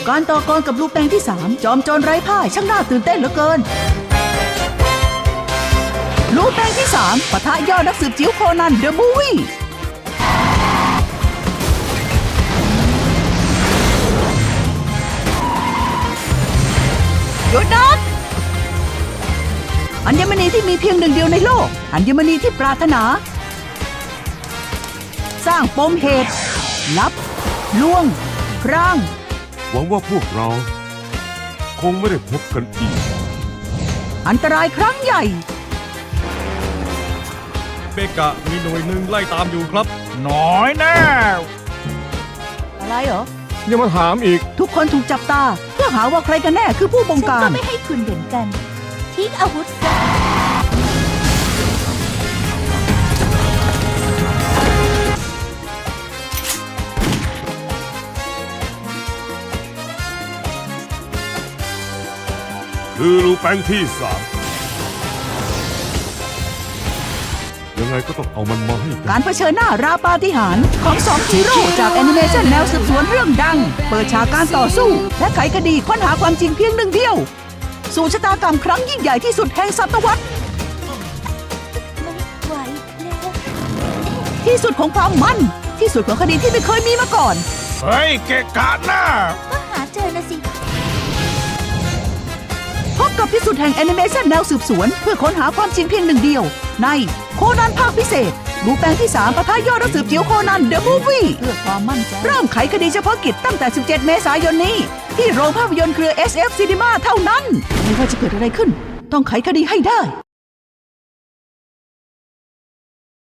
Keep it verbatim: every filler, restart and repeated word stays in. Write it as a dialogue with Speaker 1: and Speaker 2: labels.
Speaker 1: การต่อกรกับลูกแปงที่สามจอมโจรไร้พ่ายช่างน่าตื่นเต้นเหลือเกินลูกแปงที่สามปะทะยอดนักสืบจิ๋วโคนันเดอะมูฟวี่หยุดนะอัญมณีที่มีเพียงหนึ่งเดียวในโลกอัญมณีที่ปรารถนาสร้างปมเหตุลับลวงพราง
Speaker 2: หวังว่าพวกเราคงไม่ได้พบกันอีก
Speaker 1: อันตรายครั้งใหญ่
Speaker 3: เบกะมีหน่วยหนึ่งไล่ตามอยู่ครับน้อยแน่
Speaker 1: อะไรเหรอ
Speaker 2: ยังมาถามอีก
Speaker 1: ทุกคนถูกจับตาเพื่อหาว่าใครกันแน่คือผู้บงการ
Speaker 4: ฉันก็ไม่ให้คุณเหมือนกันทิ้งอาวุธซะ
Speaker 2: คือลูแปงที่สามยังไงก็ต้องเอามันมาให้
Speaker 1: การเผชิญหน้าราปาฏิหาริย์ของสองฮีโร่จากแอนิเมชันแนวสืบสวนเรื่องดังเปิดฉากการต่อสู้และไขคดีค้นหาความจริงเพียงหนึ่งเดียวสู่ชะตากรรมครั้งยิ่งใหญ่ที่สุดแห่งศตวรรษ
Speaker 4: ไม่ไหวแล้ว
Speaker 1: ที่สุดของความมันที่สุดของคดีที่ไม่เคยมีมาก่อน
Speaker 3: เฮ้ยเกะกะหน้า
Speaker 4: ก็หาเจอนะสิ
Speaker 1: พบกับที่สุดแห่งแอนิเมชันแนวสืบสวนเพื่อค้นหาความจริงเพียงหนึ่งเดียวในโคนันภาคพิเศษลูแปงที่สามปะทะยอดนักสืบจิ๋วโคนันเดอะมูฟวี่เพื่อความมั่นใจเริ่มไขคดีเฉพาะกิจตั้งแต่สิบเจ็ดเมษายนนี้ที่โรงภาพยนตร์เครือ เอส เอฟ Cinema เท่านั้นไม่ว่าจะเกิดอะไรขึ้นต้องไขคดีให้ได้